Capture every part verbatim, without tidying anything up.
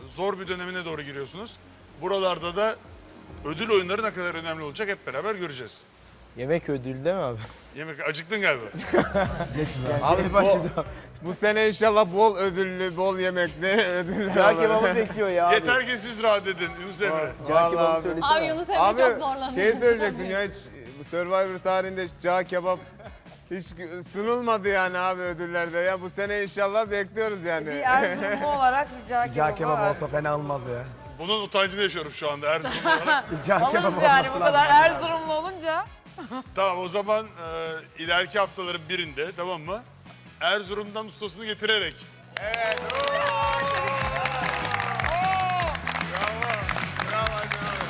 zor bir dönemine doğru giriyorsunuz. Buralarda da ödül oyunları ne kadar önemli olacak hep beraber göreceğiz. Yemek ödülü değil mi abi? Yemek acıktın galiba. Abi bu, bu sene inşallah bol ödüllü, bol yemekli ödüller Cağ olur. kebabı bekliyor ya abi. Yeter ki siz rahat edin Yunus Emre. Cağ Vallahi kebabı abi. söylesene. Abi Yunus Emre Abi çok zorlanıyor. şey söyleyecektim ya hiç bu Survivor tarihinde cağ kebap hiç sunulmadı yani abi ödüllerde ya. Bu sene inşallah bekliyoruz yani. Bir Erzurumlu olarak bir cağ kebabı Cağ kebabı var. olsa fena olmaz ya. Bunun utancını yaşıyorum şu anda Erzurumlu olarak. Bir cağ kebabı Alırız yani olması bu lazım. kadar Erzurumlu olunca. Tamam o zaman e, ileriki haftaların birinde tamam mı? Erzurum'dan ustasını getirerek. Evet. Oo! Bravo. Bravo canım.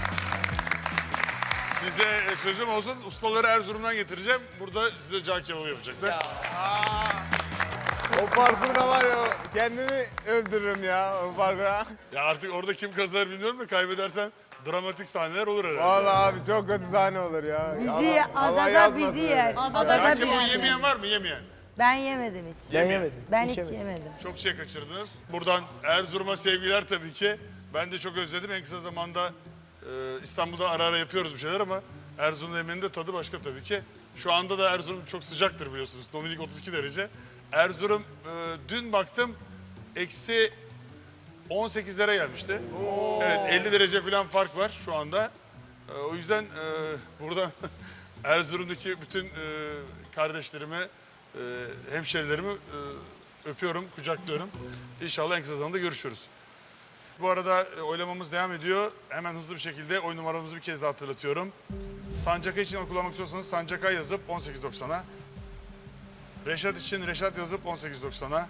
Size e, sözüm olsun ustaları Erzurum'dan getireceğim. Burada size cağ kebabı yapacaklar. O parkurda var ya kendimi öldürürüm ya o parkura. Ya artık orada kim kazanır bilmiyorum da kaybedersen dramatik sahneler olur herhalde. Vallahi abi çok kötü sahne olur ya. Bizi Allah- Allah adada yazmasın. bizi yer. Adada Cağ bizi kebabı yer. yemeyen var mı? Yemeyen. Ben yemedim hiç. Ben Yemeyen. yemedim. Ben Hiç hiç yemedim. yemedim. Çok şey kaçırdınız. Buradan Erzurum'a sevgiler tabii ki. Ben de çok özledim. En kısa zamanda e, İstanbul'da ara ara yapıyoruz bir şeyler ama Erzurum'un yemeğinin de tadı başka tabii ki. Şu anda da Erzurum çok sıcaktır biliyorsunuz. Dominik otuz iki derece. Erzurum e, dün baktım eksi on sekizlere gelmişti. Evet elli derece falan fark var şu anda. E, o yüzden e, burada Erzurum'daki bütün e, kardeşlerimi, e, hemşerilerimi e, öpüyorum, kucaklıyorum. İnşallah en kısa zamanda görüşürüz. Bu arada e, oylamamız devam ediyor. Hemen hızlı bir şekilde oyun numaramızı bir kez daha hatırlatıyorum. Sancaka için oy kullanmak istiyorsanız Sancaka yazıp on sekiz doksana. Reşat için Reşat yazıp on sekiz doksana.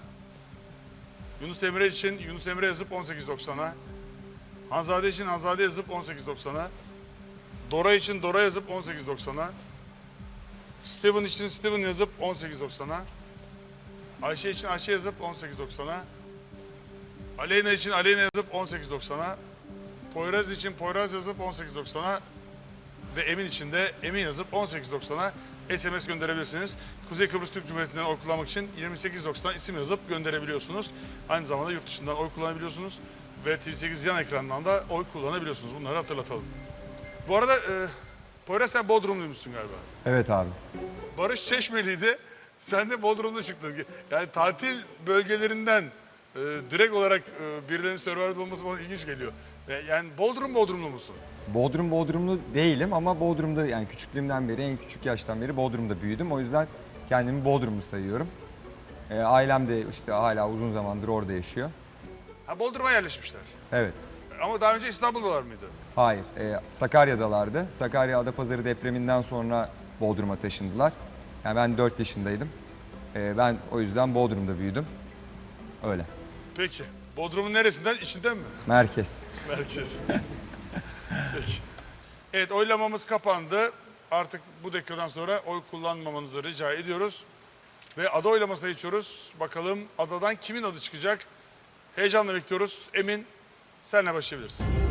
Yunus Emre için Yunus Emre yazıp on sekiz doksana. Hanzade için Hanzade yazıp on sekiz doksana. Dora için Dora yazıp on sekiz doksana. Steven için Steven yazıp on sekiz doksana. Ayşe için Ayşe yazıp on sekiz doksana. Aleyna için Aleyna yazıp on sekiz doksana. Poyraz için Poyraz yazıp on sekiz doksana. Ve Emin için de Emin yazıp on sekiz doksana S M S gönderebilirsiniz. Kuzey Kıbrıs Türk Cumhuriyeti'nden oy kullanmak için yirmi sekiz doksan isim yazıp gönderebiliyorsunuz. Aynı zamanda yurt dışından oy kullanabiliyorsunuz. Ve T V sekiz yan ekrandan da oy kullanabiliyorsunuz. Bunları hatırlatalım. Bu arada e, Poyraz sen Bodrumluymuşsun galiba. Evet abi. Barış Çeşmeli'ydi. Sen de Bodrum'da çıktın. Yani tatil bölgelerinden e, direkt olarak e, birilerinin Survivor'da olması bana ilginç geliyor. E, yani Bodrum Bodrumlu musun? Bodrum Bodrumlu değilim ama Bodrum'da yani küçüklüğümden beri, en küçük yaştan beri Bodrum'da büyüdüm. O yüzden kendimi Bodrumlu sayıyorum. Ee, ailem de işte hala uzun zamandır orada yaşıyor. Ha Bodrum'a yerleşmişler. Evet. Ama daha önce İstanbul'dalar mıydı? Hayır. e, Sakarya'dalardı. Sakarya Adapazarı depreminden sonra Bodrum'a taşındılar. Yani ben dört yaşındaydım. Ee, ben o yüzden Bodrum'da büyüdüm. Öyle. Peki. Bodrum'un neresinden? İçinden mi? Merkez. Merkez. Peki. Evet oylamamız kapandı. Artık bu dakikadan sonra oy kullanmamanızı rica ediyoruz. Ve ada oylamasına geçiyoruz. Bakalım adadan kimin adı çıkacak? Heyecanla bekliyoruz. Emin senle başlayabilirsin.